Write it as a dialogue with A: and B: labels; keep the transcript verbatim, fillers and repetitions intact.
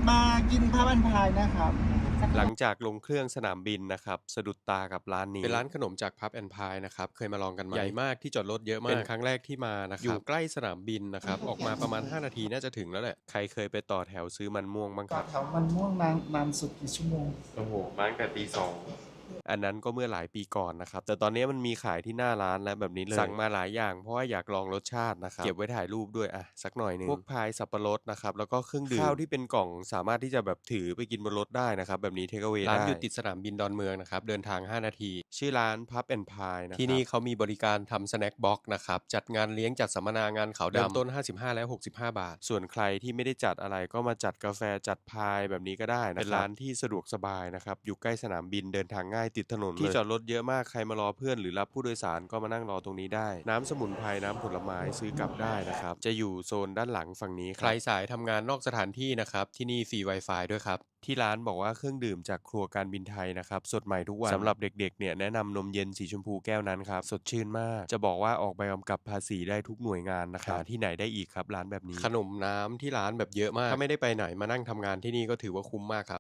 A: มากินพับอันพายนะครับ
B: หลังจากลงเครื่องสนามบินนะครับสะดุดตากับร้านนี้เป็นร้านขนมจากพับแอนพายนะครับเคยมาลองกันไหมใหญ่มากที่จอดรถเยอะมากเป็นครั้งแรกที่มานะครับอยู่ใกล้สนามบินนะครับออกมาประมาณห้านาทีน่าจะถึงแล้วแหละใครเคยไปต่อแถวซื้อมันม่วงบ้างค
A: ต่อ
B: รับ
A: แถวมันม่วงนานนานสุดกี่ชั่วโมง
B: โอ้โหมาตั้งแต่ตีสองอันนั้นก็เมื่อหลายปีก่อนนะครับแต่ตอนนี้มันมีขายที่หน้าร้านแล้วแบบนี้เลยสั่งมาหลายอย่างเพราะว่าอยากลองรสชาตินะครับเก็บไว้ถ่ายรูปด้วยอ่ะสักหน่อยหนึงพวกพายสับปะรดนะครับแล้วก็เครื่องดื่มข้าวที่เป็นกล่องสามารถที่จะแบบถือไปกินบนรถได้นะครับแบบนี้เทคเอา a y ร้านอยู่ติดสนามบินดอนเมืองนะครับเดินทางห้านาทีชื่อร้านพับแอนพายนะครับที่นี่เขามีบริการทำสแน็คบ็อกนะครับจัดงานเลี้ยงจัดสัมมนางานขาวดำเริ่มต้นห้าสิบห้าและหกสิบห้าบาทส่วนใครที่ไม่ได้จัดอะไรก็มาจัดกาแฟจัดพายแบบนี้ก็ได้นะครับเป็นร้านที่สะดวกสบายนะครับอยู่ใกล้สนามบินเดินทางง่ายติดถนนที่จอดรถเยอะมากใครมารอเพื่อนหรือรับผู้โดยสารก็มานั่งรอตรงนี้ได้น้ำสมุนไพรน้ำผลไม้ซื้อกลับได้นะครับจะอยู่โซนด้านหลังฝั่งนี้ใครสายทำงานนอกสถานที่นะครับที่นี่ฟรี Wi-Fi ด้วยครับที่ร้านบอกว่าเครื่องดื่มจากครัวการบินไทยนะครับสดใหม่ทุกวันสำหรับเด็กๆเนี่ยแนะนำนมเย็นสีชมพูแก้วนั้นครับสดชื่นมากจะบอกว่าออกใบกำกับภาษีได้ทุกหน่วยงานนะครับหาที่ไหนได้อีกครับร้านแบบนี้ขนมน้ำที่ร้านแบบเยอะมากถ้าไม่ได้ไปไหนมานั่งทำงานที่นี่ก็ถือว่าคุ้มมากครับ